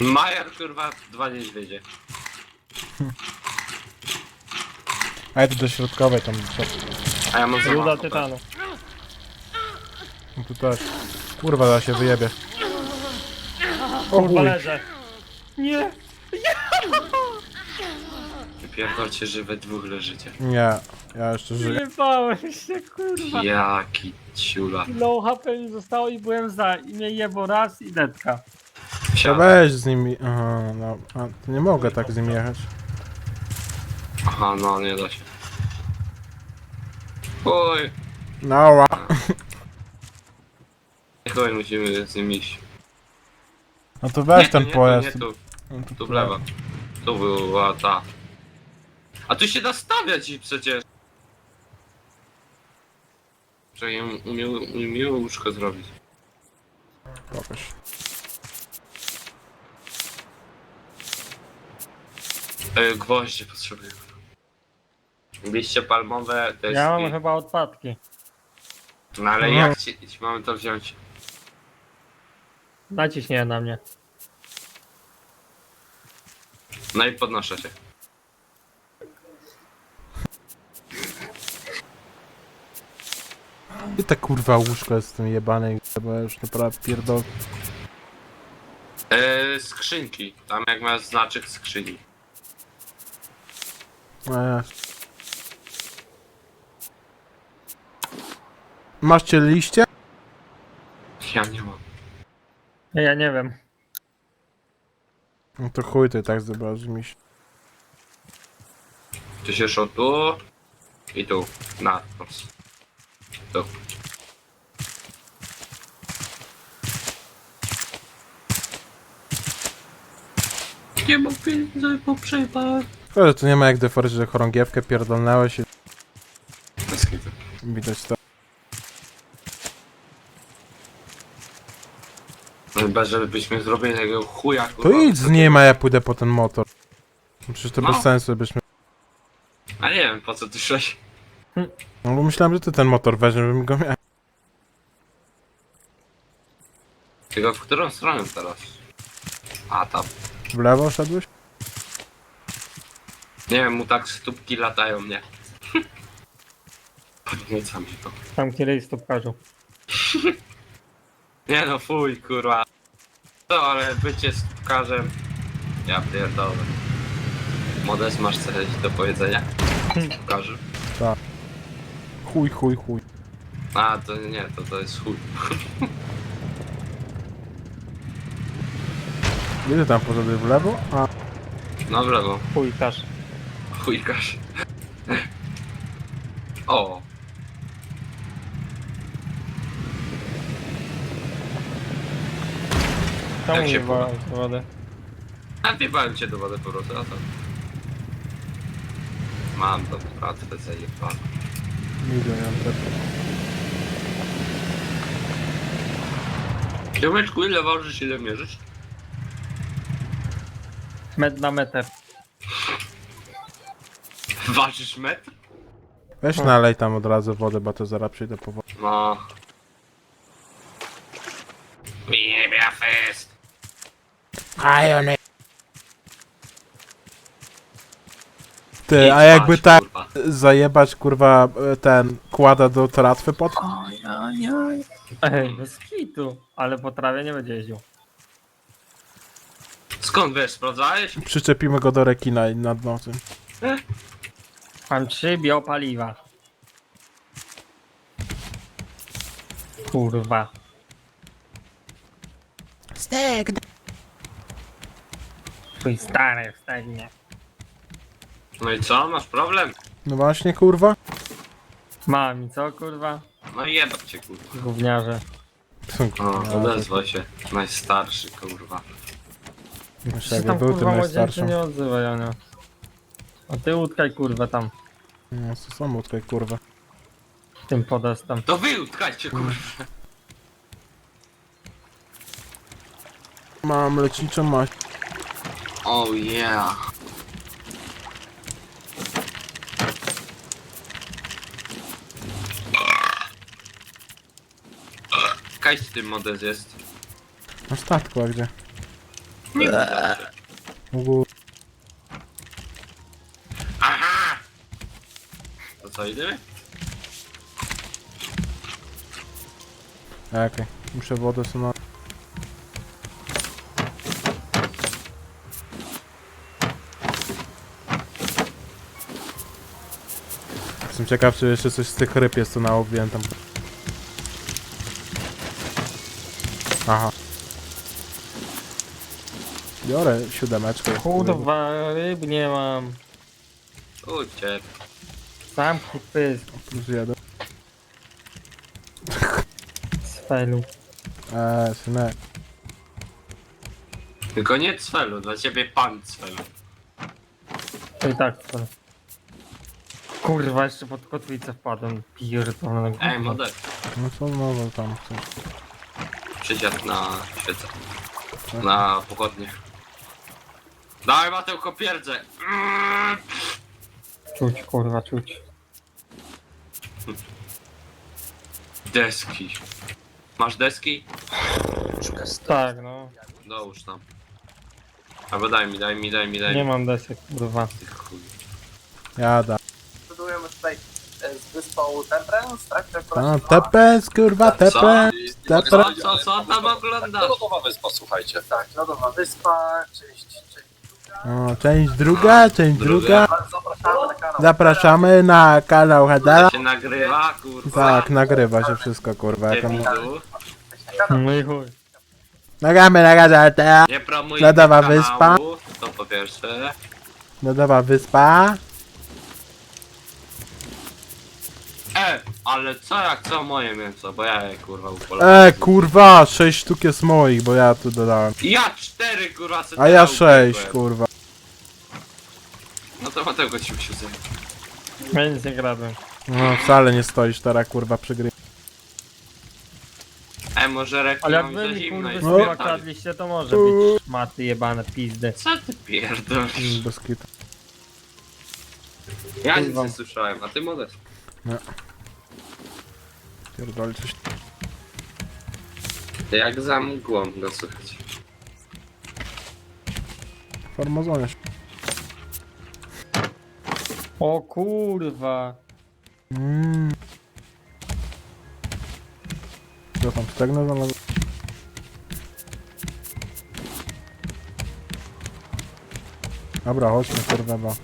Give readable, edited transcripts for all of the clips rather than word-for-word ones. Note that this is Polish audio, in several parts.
Majer, kurwa, 2 niedźwiedzie. A ja tu do środkowej tam trzeba. A ja mam Ruda zamach. tytanu. No tu też. Kurwa, da się wyjebie. O Kurwa chuj. leżę. Nie! Pierdolcie, że we dwóch leżycie. Nie, ja jeszcze żyję. Wyjebałem się, kurwa. Jaki ciula. Low HP mi zostało i byłem za. I mnie jebo raz i detka. To Siadaj. weź z nimi. Aha, no. A, to nie mogę tak z nimi jechać. Aha, no nie da się. Oj, No, chuj, musimy z nim iść. no to weź Nie, ten nie, pojazd. Tu, nie, tu, No to tu w lewo. Tu była ta. A tu się da stawiać i przecież. Że ja umiał łóżko zrobić. Pokaż. Gwoździe potrzebuję. Liście palmowe to jest... Ja mam chyba odpadki. No ale Mhm. jak ci mamy to wziąć? Naciśnij na mnie. No i podnoszę się. I ta kurwa łóżko jest w tym jebanej, bo ja już naprawdę pierdol. Skrzynki. Tam jak masz znaczek skrzyni. Macie liście? Ja nie mam. Ja nie wiem. No to chuj ty tak zobaczysz mi się. Tu się szło tu i tu. Na plus. Tu. Nie mam pieniędzy po przejpach. Ale tu nie ma jak deforzyć, że chorągiewkę pierdolnęłeś i Bez kitu. widać to. Chyba, żebyśmy zrobili takiego chuja, To kurwa. idź z nim, a ja pójdę po ten motor. Przecież to No. bez sensu byśmy... A nie wiem, po co ty szłeś. No bo myślałem, że ty ten motor weźmiesz, bym go miał. Tylko w którą stronę teraz? A tam. W lewo szedłeś? Nie wiem, mu tak stópki latają, nie? Podnieca mi to. Tam kiedyś stopkarzu. Nie no, fuj, kurwa. To, ale bycie stópkarzem... Ja pierdolę. Modest, masz coś do powiedzenia? Stópkarzu. Chuj, chuj, chuj. A, to nie, to jest chuj. Ile tam poszedłeś w lewo? A, No w lewo. Chujkarz. Chujkarz. O, Czemu Jak się nie wolał z wody? napiewałem cię do wody po prostu, a to... Mam tą pracę zajebane. widzę, ja też. Ziomeczku, ile ważysz, ile mierzysz? Metr na metr. Ważysz metr? Weź nalej tam od razu wodę, bo to zaraz przyjdę po wodę. No. Jebia fest. Ty, a jakby tak zajebać kurwa ten kłada do tratwy pod... Ej, bez kitu. Ale po trawie nie będzie jeździł. Skąd wiesz, sprawdzałeś? Przyczepimy go do rekina i nad nocą. Mam 3 biopaliwa. Kurwa. Stek! Twój stary wstanie. No i co, masz problem? No właśnie kurwa. Mam i co kurwa? No i jebać cię, kurwa. Gówniarze. O, odezwał się. Najstarszy, kurwa. Jeszcze Się jakby tam był tym kurwa młodzieńczy najstarszym. nie odzywa, Janio. A ty utkaj kurwa tam. No to samo tutaj kurwa. Tym podestem. To wy utkajcie, kurwa. Mam leczniczą maść. Oh yeah. Kaj z tym modez jest? Na statku, a gdzie? Nie wystarczy. Mógł... Aha! To co, idziemy? Okej, muszę wodę sobie na... Jestem ciekaw, czy jeszcze coś z tych ryb jest, co nałowiłem tam. Aha. Biorę 7. Kurwa, ryb nie mam. Uciek. Zamknij pysk Plus 1. z felu. Synek. Tylko nie cfelu, dla ciebie pan cfelu. To i tak to. Kurwa, jeszcze pod kotwicę wpadłem. Pierdolę. Ej, model. No co znowu tam chcesz? Przysiad na świecę. Na pochodnie. Dawaj Matełko pierdzę. Czuć, kurwa, czuć. Deski. Masz deski? Tak, no. Dołóż tam. Albo daj mi. Nie mam desek, kurwa. Ty chuj. Jada. Budujemy tutaj z wyspą Temperance, tak? No, tepes, kurwa, tepes. Tepes. Co tam oglądasz? Lodowa wyspa, słuchajcie. Tak, lodowa wyspa, część O, część druga, część druga. Zapraszamy na kanał. Zapraszamy na kanał Hedera. To się nagrywa, kurwa. Tak, nagrywa się wszystko, kurwa. Jak on... Debilu. No i chuj. Nagramy na gazetę. Nie promuj Lodowa kanału, wyspa. to po pierwsze. Lodowa wyspa. Ale co moje mięso, bo ja je kurwa upolowałem. Kurwa, 6 sztuk jest moich, bo ja tu dodałem. Ja 4 kurwa A ja 6, kurwa. No to Mateusz ci musi zająć. Ja nic nie kradłem. No, wcale nie stoisz teraz, kurwa, przy gry. Może reklam Ale jak za wy mi zimno kurwy i słowa spierdali. kradliście, to może być szmaty jebane pizdy. Co ty pierdolisz? Bez kitu. Ja nic Kurwa. nie słyszałem, a ty modest. Pierdoli coś. Jak za mgłą go słychać. Farmazonie. O kurwa. Co tam, stegnę znalazłem? Dobra, chodźmy, kurwa, bo...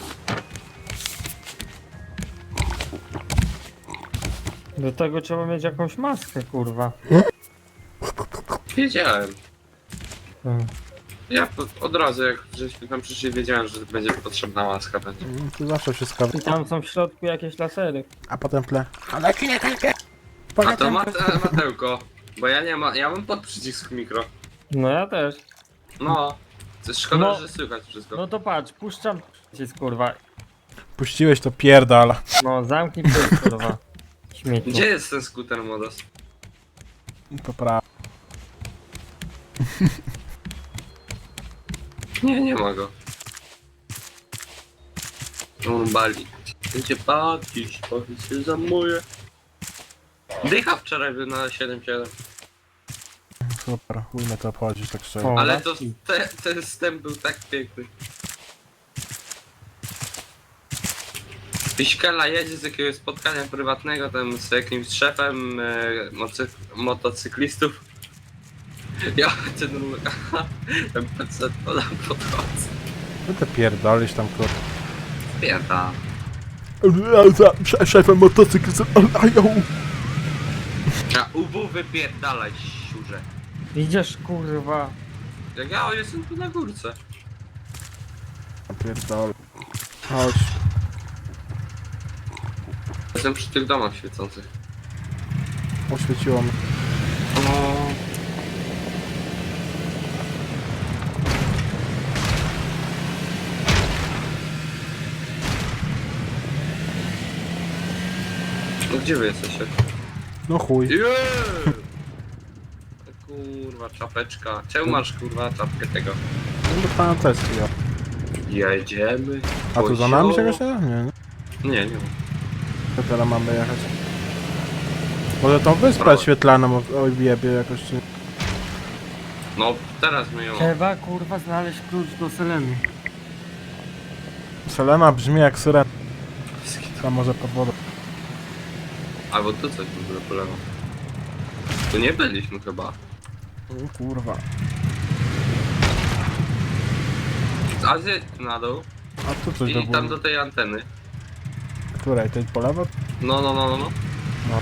Do tego trzeba mieć jakąś maskę, kurwa. Wiedziałem. Hmm. Ja od razu jak żeśmy tam przyszli wiedziałem, że będzie potrzebna łaska będzie. Tu zawsze wszystko... I tam są w środku jakieś lasery. A potem w tle... Ale nie A to Matełko, bo ja nie ma, ja mam pod przycisk mikro. No ja też. No, to szkoda, No. że słychać wszystko. No to patrz, puszczam przycisk, kurwa. Puściłeś to pierdala. No zamknij pysk, kurwa. Śmieci. Gdzie jest ten skuter modos? To prawda. Nie ma go. On bali. Będzie patrzeć, powiedz się zamuje. Dycha wczoraj był na 7-7. Super, chuj mnie to obchodzić, tak szczerze. O. Ale to ten wstęp był tak piękny. Piśkela jedzie z jakiegoś spotkania prywatnego tam z jakimś szefem motocyklistów. Ja ten ten PC to tam podchodzę. No to pierdolisz tam, kurwa. Pierda. Szefem motocykl... A UW wypierdalaj, siurze. Idziesz, kurwa. Jak ja jestem tu na górce. Pierdol. Chodź. Jestem przy tych domach świecących. Oświeciło mnie. No gdzie wy jesteście? No chuj. Jeee! Kurwa, czapeczka. Czemu masz kurwa czapkę tego? No dostałem test, ja. Jedziemy. A tu za nami Kozioł. czegoś nie? Nie. Nie ma. To teraz mamy jechać. Może tą wyspę Prawo. świetlaną ojebie jakoś czy... No, teraz my ją... Trzeba kurwa znaleźć klucz do Seleny. Selena brzmi jak syrena. A może pod wodą. Albo tu coś w ogóle po lewo. Tu nie byliśmy chyba. O kurwa. A zjedź tu na dół A tu coś do i tam do góry. tej anteny. Której? Tej po lewo? No. No.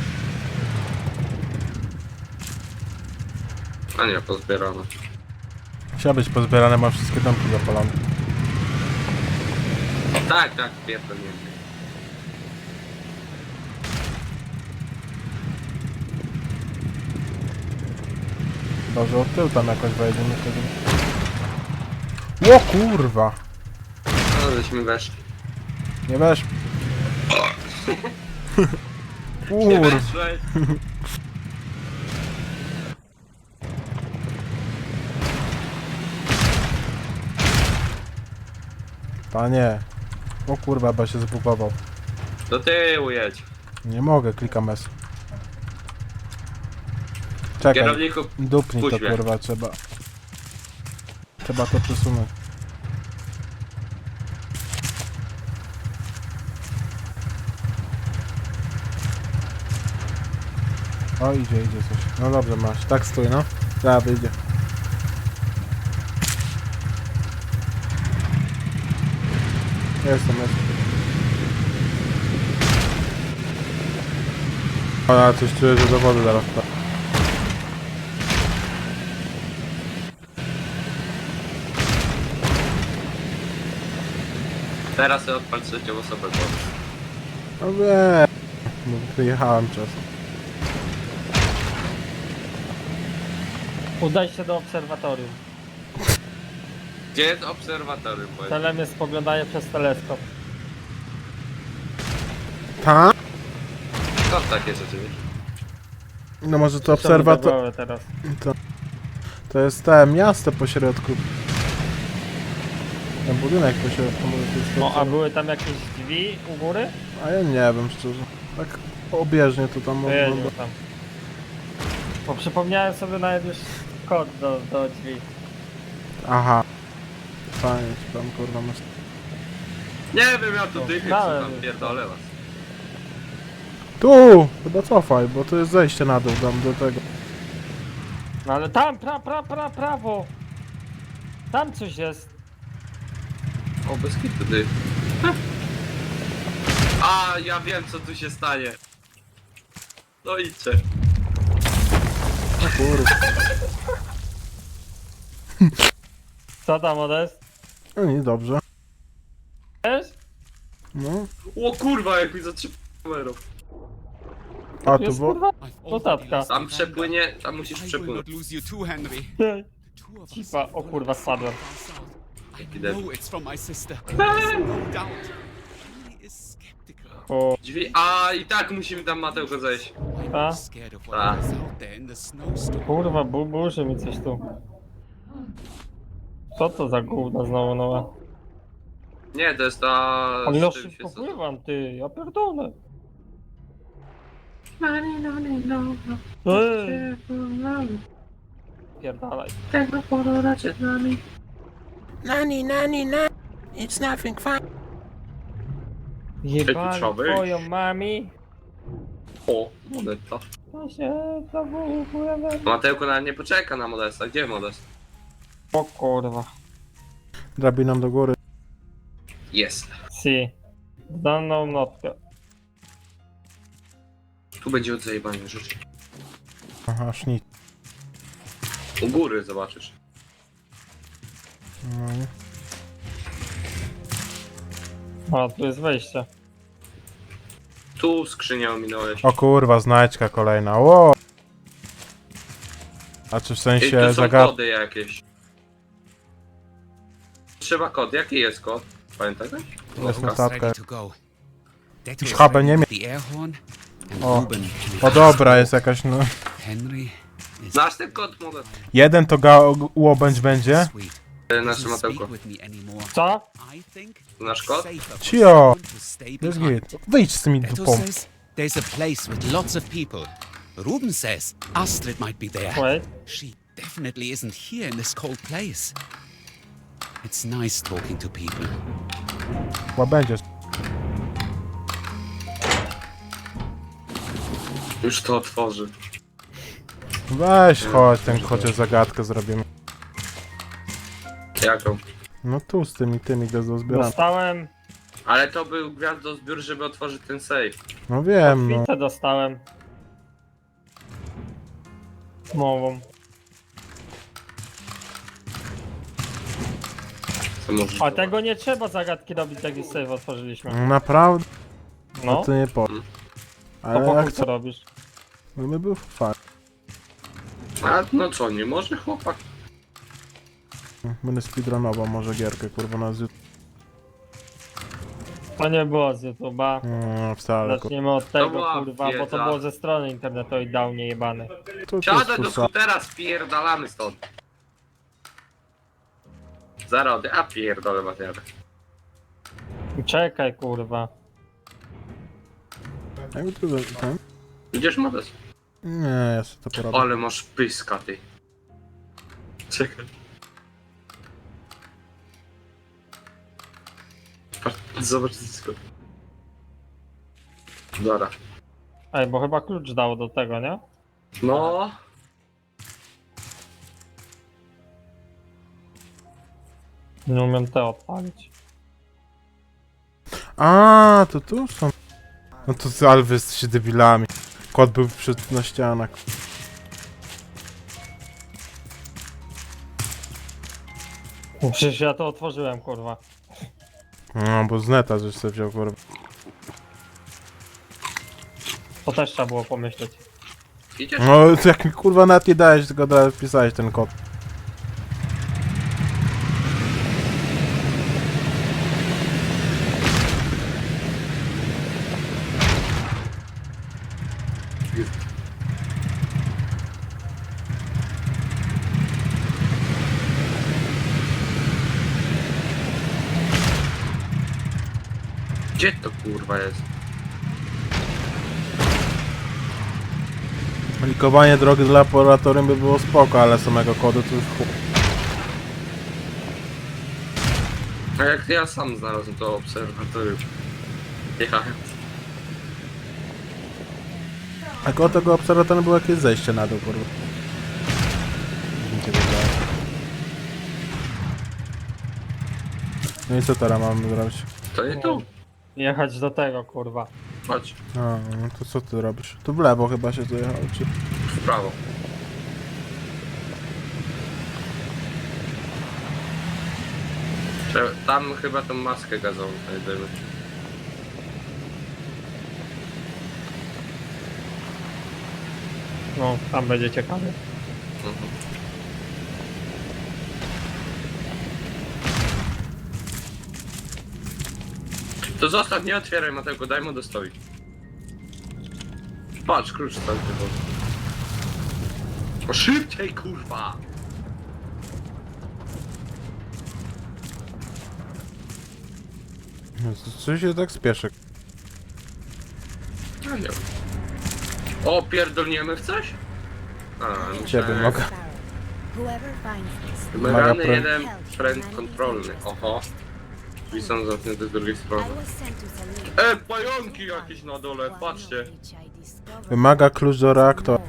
A nie, pozbierane. Musiała być pozbierane, ma wszystkie domki zapalone. Tak, pierdolę. Chyba, że od tyłu tam jakoś wejdziemy wtedy. O kurwa! No, żeśmy weszli. Nie weź. Nie Kurwa. weszłeś! Panie. O kurwa, bo się zbugował. Do tyłu jedź. Nie mogę, klikam S. Czekaj, Kierowniku, dupnij to puść mnie. kurwa, trzeba. Trzeba to przesunąć. O, idzie coś. No dobrze, masz. Tak stój, no. Zaraz wyjdzie. Jestem. O, ja coś czuję, że do wody zaraz wpadł. teraz sobie odpal trzecią osobę. No wiem. No, wyjechałem czasem. Udaj się do obserwatorium. Gdzie jest obserwatorium? Powiedz? Celem jest spoglądanie przez teleskop. Tak? Skąd takie rzeczy wiesz? No może to Obserwator... obserwator... teraz. To jest te miasto po środku. Ten budynek po środku, może to jest No to, a co- były tam jakieś drzwi u góry? A ja nie wiem szczerze. Tak obieżnie to tam Pojedziemy wygląda. tam. Bo przypomniałem sobie nawet już kod do drzwi. Aha. Fajnie, ci tam kurwa masz. Nie wiem, ja tu dychy Dałem. tam pierdolę was. Tu! Chyba cofaj, bo to jest zejście na dół tam do tego. No ale tam, prawo! Tam coś jest. O, bez kitu ty. A, ja wiem co tu się stanie. No idźcie. Kurwa. Co tam odest? No nie, dobrze. Wiesz? No. O kurwa, jak mi zatrzymał kamerów. A tu Jest było... kurwa notatka. Tam przepłynie, tam musisz I will przepłynąć. not lose you too, Henry. Two of us Cipa, o kurwa spadłem. I know it's from my sister. There's no doubt. He is skeptical. O, Drzwi, a i tak musimy tam Mateusz zejść. I'm A? scared of what is out there in the snowstorm. kurwa, burzy mi coś tu. Co to za gówno znowu nowe? Nie, to jest ta... Ale ja z tym szybko się- pływam, ty, ja pierdolę. Ej, pierdalaj. Tego porola przed nami. Nani, it's nothing fine. Jebali trzeba wyjść. twoją mami. O, Modesta. To się znowu pływam. Mateuko nawet nie poczeka na Modesta. Gdzie Modest? O kurwa. Drabiną do góry. Jest. Si. Daną notkę. Tu będzie od zajebania rzeczy. Aha, sznit. U góry zobaczysz. No. A, tu jest wejście. Tu skrzynię ominąłeś. O kurwa, znajdźka kolejna. Ło! A czy w I sensie tu są zagadka? kody jakieś. Trzeba kod. Jaki jest kod? Pamiętasz? Jest No, notatka. Ready to go. Deto Już is habę ready nie with mie- the air horn. And O. Ruben O dobra, jest jakaś no... Henry is Znasz ten kod, Modest? Jeden to łobędź będzie. sweet. Nasze Doesn't Matełko. speak with me anymore. Co? I think Nasz kod? safer for Cio! someone to stay Jest behind. git. Wyjdź z tymi Deto dupą. says there's a place with lots of people. Ruben says Astrid might be there. Wait. She definitely isn't here in this cold place. It's nice talking to people. Chyba będzie. Już to otworzy. Weź, chodź, ten chociaż zagadkę zrobimy. Jaką? No tu z tymi do zbierania. Dostałem, Ale to był gwiazdozbiór, żeby otworzyć ten safe. No wiem, no. kotwicę dostałem. Mową. Co możesz A tego nie trzeba zagadki robić, jak już save otworzyliśmy. Naprawdę? No No, to nie po. to Ale po jak chuj co co? robisz? No my był fakt. A no co, nie może chłopak? Będę speedrunował może gierkę, kurwa, na z... To nie było z YouTube'a. No, wcale, kurwa. Zaczniemy od tego, była kurwa, bo to wiedza. było ze strony internetowej, dał niejebany. To jest Siadaj do kursa. skutera, spierdalamy stąd. Zarody, a pierdolę materiał. Czekaj, kurwa. Jakby tu ten? Idziesz Modes? Nie, ja sobie to porobię. Ale masz pyska ty. Czekaj. Patrz, zobacz wszystko. Dobra. Ej, bo chyba klucz dał do tego, nie? No. Nie umiem te odpalić. A, to tu są. No to ale wy jesteście debilami. Kot był na ścianach. Przecież ja to otworzyłem, kurwa. No, bo z neta żeś sobie wziął, kurwa. To też trzeba było pomyśleć. Idziesz? No, to jak mi kurwa nawet nie dałeś, tylko od razu wpisałeś ten kod. Gdzie to kurwa jest? Likowanie drogi z laboratorium by było spoko, ale samego kodu to już chuj. A jak ja sam znalazłem to obserwatorium. Jechałem. A koło tego obserwatorium było jakieś zejście na dół, kurwa. Mi się wydaje. No i co teraz mamy zrobić? To nie tu. Jechać do tego, kurwa. Chodź. A, no to co ty robisz? Tu w lewo chyba się dojechało, czy... W prawo. Tam chyba tą maskę gazową znajdziemy. No, tam będzie ciekawie. Mhm. To zostaw, nie otwieraj Mateuko, daj mu dostoić. Patrz, klucz tam tylko. O, szybciej kurwa! No, co się tak spieszy? Ja nie wiem. O, pierdolniemy w coś? A, Ciebie mogę. Whoever finds this, Wymagany Maga jeden pręt kontrolny. Oho. Drzwi są zamknięte z drugiej strony. I was sent to Salim. Pająki jakieś na dole, patrzcie. Wymaga klucz do reaktora.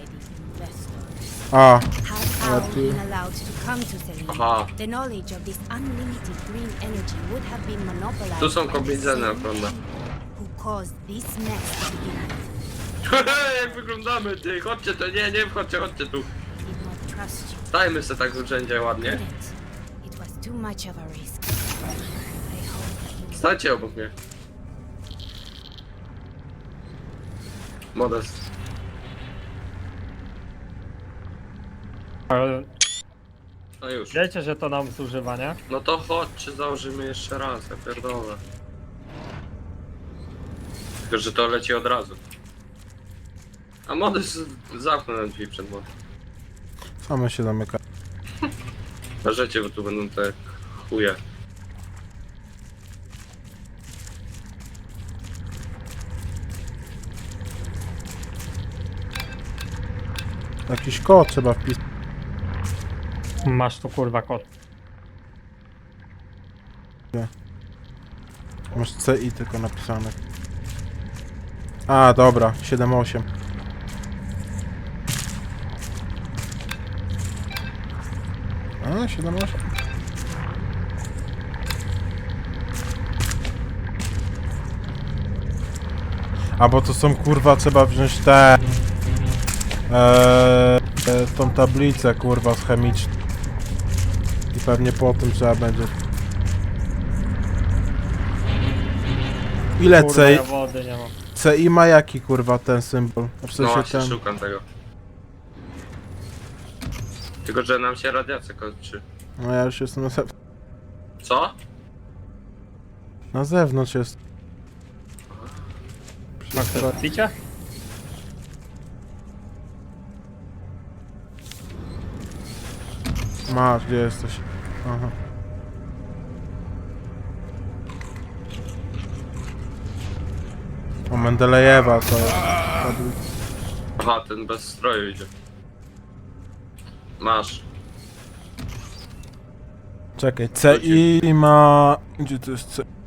A, Had Al been allowed to come to Salim, Aha. the knowledge of this unlimited green energy would have been monopolized Tu są by the kobiedzene, same prawda? who caused this mess to begin with. Jak wyglądamy, ty, chodźcie to, nie wchodźcie, chodźcie tu. Did not trust you, Dajmy se tak urzędzie ładnie. didn't. It was too much of a risk. I hope you Stańcie obok mnie. Modest. Ale No już. wiecie, że to nam zużywa, nie? No to chodźcie, założymy jeszcze raz, ja pierdolę. Tylko, że to leci od razu. A Modest zamknął nam drzwi przed mną. same się zamyka. Uważajcie, bo tu będą te chuje. Jakiś kod trzeba wpisać. Masz tu kurwa kod. Masz CI tylko napisane. A, dobra, 7-8. A, 7-8. A, bo to są kurwa, trzeba wziąć te... tą tablicę kurwa z chemiczną. I pewnie po tym trzeba będzie... Ile Kurwa, CI? ja wody nie mam. CI ma jaki kurwa ten symbol? W No sensie właśnie ten... szukam tego. Tylko, że nam się radiacja kończy. No ja już jestem Co? na zewnątrz jest. Masz to picia? Masz, gdzie jesteś? Aha. O, Mendelejewa to jest. Aha, ten bez stroju idzie. Masz. Czekaj, CI ma... Gdzie to jest C?